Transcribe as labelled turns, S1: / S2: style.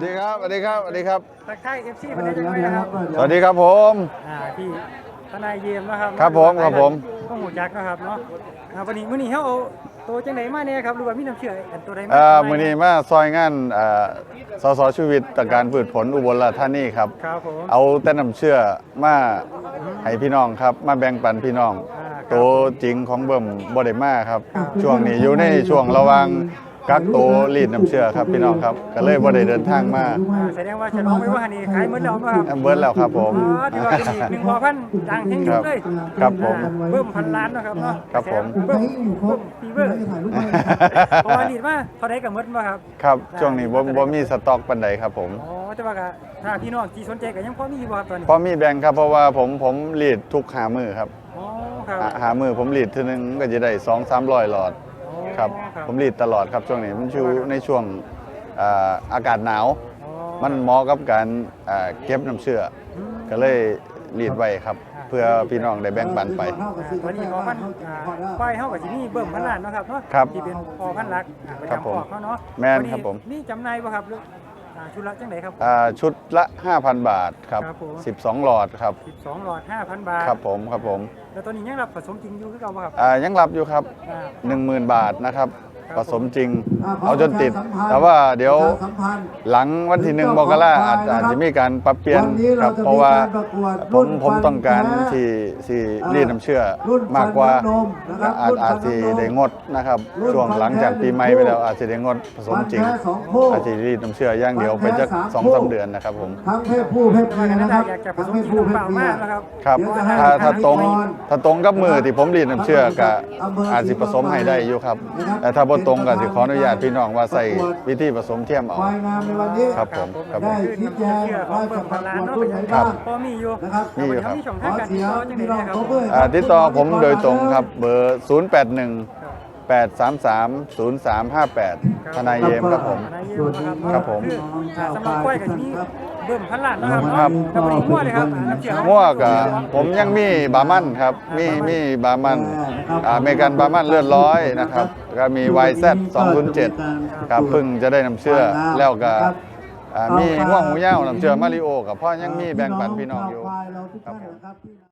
S1: สดีครับสวัสดีครับสวัสดีครับ
S2: ทักทายFCประเทศจังเลยนะครับ
S1: สวัสดีครับผม
S2: พี่ทนายเยี่ยมนะครับ
S1: ครับผมครับผม
S2: ต้องหูจักนะครับเนาะวันนี้มื้อนี้เฮาเอาตัวจังไดมาเนี่ยครับหรือว่ามีน้ำเชื่ออันตัวใดมา
S1: มื้อนี้มาซอยงานสสชีวิตตการพืชผลอุบลราชธานีครับ
S2: ครับผม
S1: เอาแต่น้ำเชื่อมาให้พี่น้องครับมาแบ่งปันพี่น้องตัวจริงของเบิ่มบ่ได้มาครับช่วงนี้อยู่ในช่วงระหว่างกักตัวรีดน้ำเชื่อครับพี่น้องครับก็เลยบ่ได้เดินทางมา
S2: แสดงว่าจะน้องไม่ว่านี่ขายหมดแล้วครับ
S1: เบิดแล้วครับผม
S2: ที่ว่าเป็นอีก1 พันดังแห่งยุคเลย
S1: ครับผม
S2: เบิ่มพันล้านนะครับเนาะ
S1: ครับผม
S2: เบิ่มฟีเวอร์เพราะว่ารีดมาเท่าใดก็หมดบ่ครับ
S1: ครับช่วงนี้บ่มีสต็อกปานใดครับผม
S2: แต่ว่าถ้าพี่น้องที่สนใจก็ยังพอมีบ่ครับตอนนี้
S1: พอมีแบ่งครับเพราะว่าผมรีดทุก5มื้อครับหามือผมรีดทีนึงก็จะได้200-300 หลอดครับผมรีดตลอดครับช่วงนี้มันอยู่ในช่วงอากาศหนาวมันเหมาะกับการเก็บน้ำเชื่อก็เลยรีดไว้ครับเพื่อพี่น้องได้แบ่งปันไป
S2: วันนี้พันควายเฮากับที่นี่เบิ่มพันล้านนะครับเนาะที่เป็นพอพันลักประจำพอเขาเนาะ
S1: แม่นครับผม
S2: นี่จำหน่ายบ่ครับชุดละจังไหนครับ
S1: ชุดละ 5,000 บาทครับ12 หลอดครับ
S2: 12 หลอด 5,000 บาท
S1: ครับผมครับผม
S2: แล้วตอนนี้ยังรับผสมจริงอยู่คือเก่าบ่ครับ
S1: ยังรับอยู่ครับ 10,000 บาทนะครับผสมจริงเอาจนติดแต่ว่าเดี๋ยวหลังวันที่1 มกราอาจจะมีการปรับเปลี่ยนครับเพราะว่าผมต้องการที่รีดน้ำเชื่อมากกว่าอาจจะได้งดนะครับช่วงหลังจากปีใหม่ไปแล้วอาจจะได้งดผสมจริงอาจจะรีดน้ำเชื่อย่างเดียวไปจัก 2-3 เดือนนะครับผม
S2: ทั้งเพศผู้เพศเมียนะครับอยากจะผสมจริงเปล่ามากนะครับ
S1: ครับถ้าตรงกับมือที่ผมรีดน้ำเชื่อก็อาจจะผสมให้ได้อยู่ครับแต่ถ้าบ่ตรงก็สิขออนุญาตพี่น้องว่าใส่วิธีผสมเทียมเอาครับผมครับผม
S2: ชี้แจงของเบิ่มพันล้านเนาะครับพอมีอยู่
S1: มีอยู่ครับ
S2: มีช่องทางการติดต่อจังได๋ครับ
S1: ติดต่อผมโดยตรงครับเบอร์081-833-0358ทนายเยมครับผมครับผม
S2: สำหรับควายกับที่นี่เบิ่มพันล้านนะครับกับวันนี้มั่วเลยครับ
S1: มั่วกับผมยังมีบามันครับมีบามันอเมริกันบามันเลือดร้อยนะครับก็มี YZ 207ครับเพิ่งจะได้นำเชื่อแล้วก็มีง่วงหูยาวน้ำเชื่อมาริโอกับพ่อยังมีแบ่งปันพี่น้องอยู่ครับผม